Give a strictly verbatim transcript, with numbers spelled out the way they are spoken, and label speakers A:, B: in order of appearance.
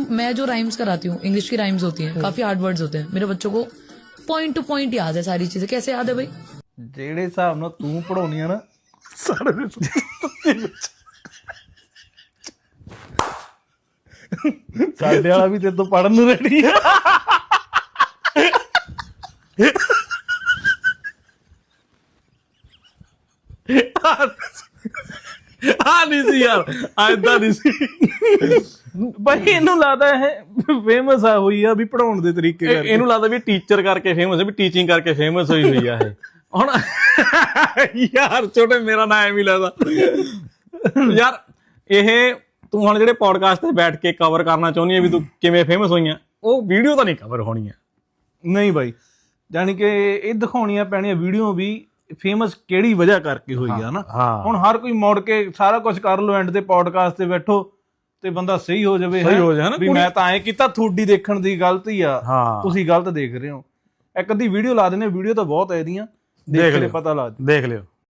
A: मैं जो राइम्स कराती हूँ, इंग्लिश की राइम्स होती हैं, काफी हार्ड वर्ड्स होते हैं, मेरे बच्चों को पॉइंट टू पॉइंट याद है सारी चीजें। कैसे याद है भाई?
B: ਜਿਹੜੇ ਹਿਸਾਬ ਨਾਲ ਤੂੰ ਪੜਾਉਣੀ ਆ ਨਾ ਸਾਰੇ ਸਾਡੇ ਵਾਲਾ ਵੀ ਤੇਰੇ ਤੋਂ ਪੜਨ ਨੂੰ ਰੈਡੀ ਆ।
C: ਆ ਨਹੀਂ ਸੀ ਯਾਰ, ਐਦਾਂ ਨਹੀਂ ਸੀ
B: ਬਾਈ। ਇਹਨੂੰ ਲੱਗਦਾ ਇਹ ਫੇਮਸ ਆ ਹੋਈ ਆ ਵੀ ਪੜਾਉਣ ਦੇ ਤਰੀਕੇ ਕਰਕੇ।
C: ਇਹਨੂੰ ਲੱਗਦਾ ਵੀ ਟੀਚਰ ਕਰਕੇ ਫੇਮਸ ਹੈ, ਵੀ ਟੀਚਿੰਗ ਕਰਕੇ ਫੇਮਸ ਹੋਈ ਹੋਈ ਆ ਇਹ। ਹੁਣ ਯਾਰ ਛੋਟੇ ਮੇਰਾ ਨਾਂ ਐਵੇਂ ਲੱਗਦਾ ਯਾਰ। ਇਹ ਤੂੰ ਹੁਣ ਜਿਹੜੇ ਪੋਡਕਾਸਟ ਤੇ ਬੈਠ ਕੇ ਕਵਰ ਕਰਨਾ ਚਾਹੁੰਦੀ ਹੈ ਵੀ ਤੂੰ ਕਿਵੇਂ ਫੇਮਸ ਹੋਈਆਂ, ਉਹ ਵੀਡੀਓ ਤਾਂ ਨਹੀਂ ਕਵਰ ਹੋਣੀ ਆ।
B: ਨਹੀਂ ਬਾਈ, ਜਾਣੀ ਕਿ ਇਹ ਦਿਖਾਉਣੀਆਂ ਪੈਣੀਆਂ ਵੀਡੀਓ ਵੀ ਫੇਮਸ ਕਿਹੜੀ ਵਜ੍ਹਾ ਕਰਕੇ ਹੋਈ ਆ ਨਾ। ਹੁਣ ਹਰ ਕੋਈ ਮੁੜ ਕੇ ਸਾਰਾ ਕੁਝ ਕਰ ਲੋ, ਐਂਡ ਤੇ ਪੋਡਕਾਸਟ ਤੇ ਬੈਠੋ ਤੇ ਬੰਦਾ ਸਹੀ ਹੋ ਜਾਵੇ ਵੀ ਮੈਂ ਤਾਂ ਐਂ ਕੀਤਾ, ਤੁਹਾਡੀ ਦੇਖਣ ਦੀ ਗਲਤੀ ਆ, ਤੁਸੀਂ ਗਲਤ ਦੇਖ ਰਹੇ ਹੋ। ਇੱਕ ਅੱਧੀ ਵੀਡੀਓ ਲਾ ਦਿੰਦੇ, ਵੀਡੀਓ ਤਾਂ ਬਹੁਤ ਹੈ ਇਹਦੀਆਂ, ਦੇਖ ਕੇ ਪਤਾ ਲੱਗ
C: ਦੇਖ ਲਿਓ।